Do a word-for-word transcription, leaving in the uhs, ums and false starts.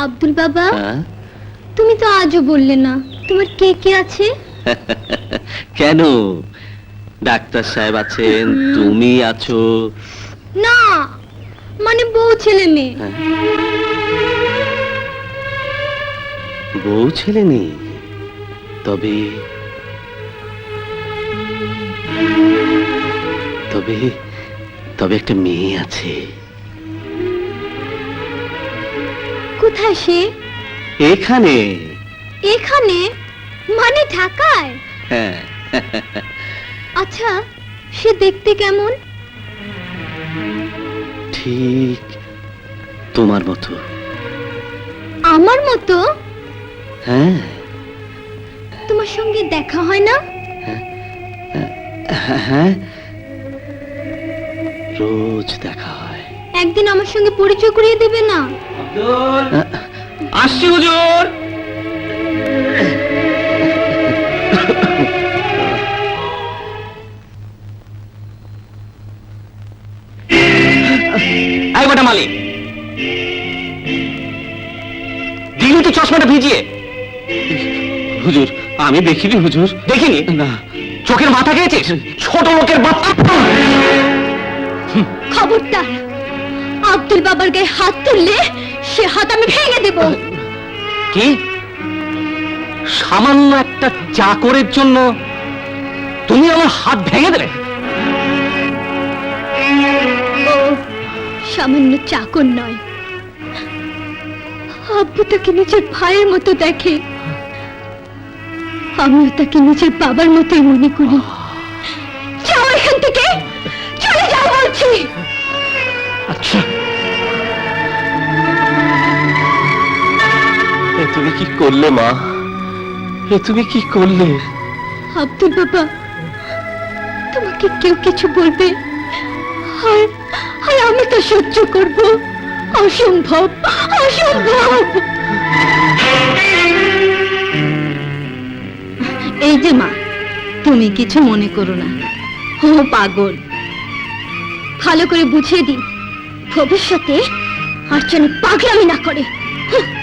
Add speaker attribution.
Speaker 1: আব্দুল বাবা, তুমি তো আজও বললে না তোমার কে কে আছে।
Speaker 2: কেন, ডাক্তার সাহেব আছেন, তুমি আছো।
Speaker 1: না, মানে বউ ছেলে মেয়ে।
Speaker 2: বউ ছেলে নেই, তবে তবে তবে একটা মেয়ে আছে।
Speaker 1: কোথায় সে?
Speaker 2: এখানে।
Speaker 1: এখানে মানে ঢাকায়?
Speaker 2: হ্যাঁ।
Speaker 1: আচ্ছা, সে দেখতে কেমন?
Speaker 2: ঠিক তোমার মতো।
Speaker 1: আমার মতো?
Speaker 2: হ্যাঁ।
Speaker 1: তোমার সঙ্গে দেখা হয় না?
Speaker 2: হ্যাঁ, রোজ দেখা হয়।
Speaker 1: একদিন আমার সঙ্গে পরিচয় করিয়ে দেবে না?
Speaker 2: আসছি হুজুর। আই বটা মালিক, দিন তো চশমাটা ভিজিয়ে। হুজুর, আমি দেখিনি হুজুর। দেখিনি? না। চোখের মাথা খেয়েছিস? ছোট লোকের বাচ্চা।
Speaker 1: খবরদার, আব্দুল বাবার গায়ে হাত তুললে সে হাত আমি ভেঙে দেব।
Speaker 2: কি? সামান্য একটা চাকরের জন্য তুমি আমার হাত ভেঙে দেবে?
Speaker 1: ও সামান্য চাকর নয়, আব্বু তাকে নিজের ভাইয়ের মতো দেখে, আমিও তাকে নিজের বাবার মতোই মনে করি। যাও এখান থেকে, চলে যাও বলছি।
Speaker 2: আচ্ছা, এ তুমি কি করলে মা? এ তুমি কি করলে?
Speaker 1: আব্দুল বাবা, তোমাকে কেউ কিছু বলবে আর আর আমি তো সহ্য করব? অসম্ভব, অসম্ভব। এই যে মা, তুমি কিছু মনে করো না, ও পাগল। ভালো করে বুঝিয়ে দিন, ভবিষ্যতে আর যেন পাগলামি না করে।